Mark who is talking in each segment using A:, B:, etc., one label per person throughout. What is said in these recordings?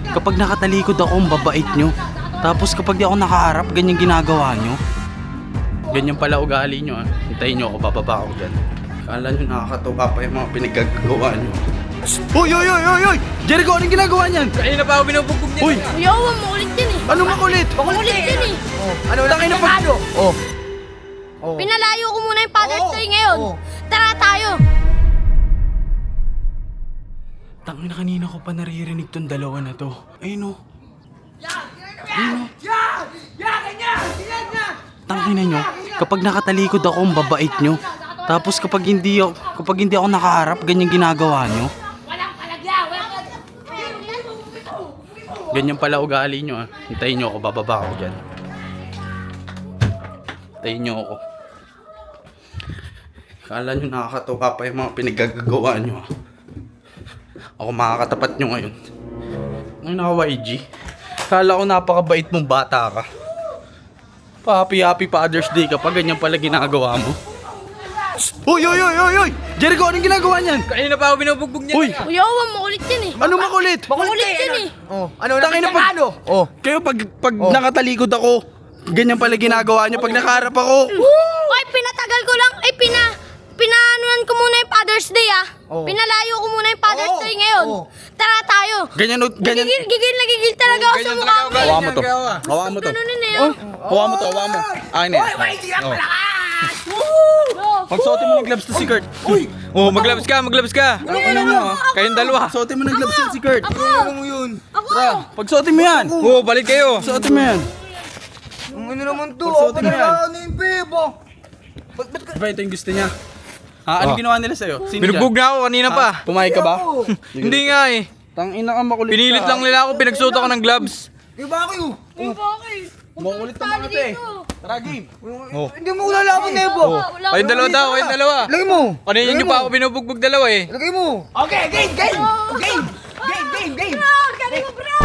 A: Kapag nakatalikod ako, ang babait nyo. Tapos kapag di ako nakaharap, ganyan ginagawa nyo. Ganyan pala ugali nyo, ah. Hintayin nyo ako, bababa ako dyan. Kala nyo nakakatuwa pa yung mga pinaggagawa nyo. Uy! Jericho, anong ginagawa niyan?
B: Kanina pa ako binubugbog niya.
A: Uy!
C: Yawa, makulit yan eh.
A: Ano makulit?
C: Makulit yan eh.
B: Ano lang
A: Tangina
B: kinapag...
A: pag-
B: Oh.
C: Pinalayo ko muna yung Father's Day ngayon. Tara tayo.
A: Tangina, kanina ko pa naririnig tong dalawa na to. Ayun o. Tangina nyo, kapag nakatalikod ako, ang babait nyo. Tapos kapag hindi ako nakaharap, ganyan ginagawa nyo. Ganyan pala ugali nyo, ah. Hintayin nyo ako, bababa ako dyan. Hintayin nyo ako. Kala nyo nakakatuwa pa yung mga pinaggagawa nyo, ah. Ako makakatapat nyo ngayon. Ngayon naka YG. Kala ko napakabait mong bata ka. Happy Father's Day ka pa, ganyan pala ginagawa mo. Uy! Jericho, anong ginagawa niyan?
B: Kanina pa ako binubugbog niya.
A: Uy!
C: Yawa, makulit yan eh.
A: Ano makulit?
C: Makulit yan eh.
B: Oh, ano lang
A: Tangina pag...
B: Oh.
A: Kayo pag nakatalikod ako, ganyan pala ginagawa niyo pag nakaharap ako.
C: Ay, pinatagal ko lang. Ay, pinaanuan ko muna yung Father's Day ah. Pinalayo ko muna yung Father's Day ngayon. Tara tayo.
A: Ganyan.
C: Gigil talaga ako sa mukha mo.
A: Hawakan mo to. Hawakan mo to.
C: Ganunin na yun.
A: Hawakan mo to, hawakan mo. Akin na yan. Pagsuotin mo ng gloves to si Kurt. Uy!
B: Oh, maglabas ka.
A: Ano mo?
B: Kayong dalawa.
A: Pagsuotin mo ng gloves to si Kurt.
B: Ano mo yun?
A: Pagsuotin mo yan.
B: Oh, balik kayo.
A: Pagsuotin mo yan.
B: Ano naman to?
A: Pagsuotin mo yan.
B: Ano yung bebo?
A: Diba ito yung gusto niya? Ha? Anong ginawa nila sa'yo? Sino
B: Binugbog
A: dyan?
B: na ako kanina pa.
A: Pumayag ka ba?
B: Hindi nga eh.
A: Tangina ka, makulit ka.
B: Pinilit lang nila ako. Pinagsuot ako ng gloves.
A: Makulit ka mga te. Tara, game.
D: Hindi mo lalaban, Nebo.
B: Kayong dalawa daw. Kayong dalawa.
D: Lagay mo.
B: Kanina nyo pa ako binubugbog dalawa eh.
D: Lagay mo. Okay, game.
C: Galing mo, bro.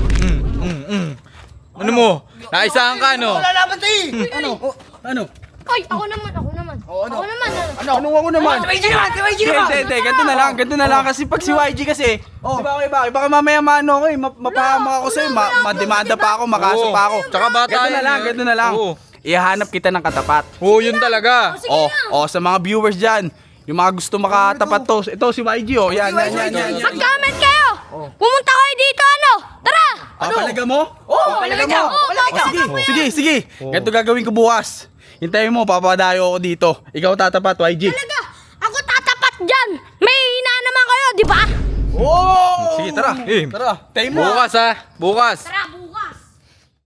B: Ano mo? Naisahan ka no?
D: Lalaban tayo.
A: Ano?
C: Ay, ako naman. Ako naman.
A: Anong ako naman?
D: Si YG naman.
A: Hindi. Ganito na lang. Kasi pag si YG kasi, di ba okay, baka mamaya maano ako eh, mapahama ako sa'yo, mademanda pa ako, makaso pa ako.
B: Tsaka bata
A: Ganito na lang.
B: Oo.
A: Ihahanap kita ng katapat.
B: Oo, yun talaga.
A: Sa mga viewers dyan, yung mga gusto makatapat to, ito si YG oh, yan.
C: Mag-comment kayo. Pumunta kayo dito, ano? Tara.
A: Papalaga mo?
D: Palaga niya.
A: Sige. Ganito gagawin ko bukas. Hintayin mo, papadayo ako dito. Ikaw tatapat, YG.
C: Talaga. Ako tatapat dyan. May hina naman kayo, di ba?
A: Oh!
B: Sige, tara.
A: Tara, tayo mo.
B: Bukas ha. Bukas.
C: Tara,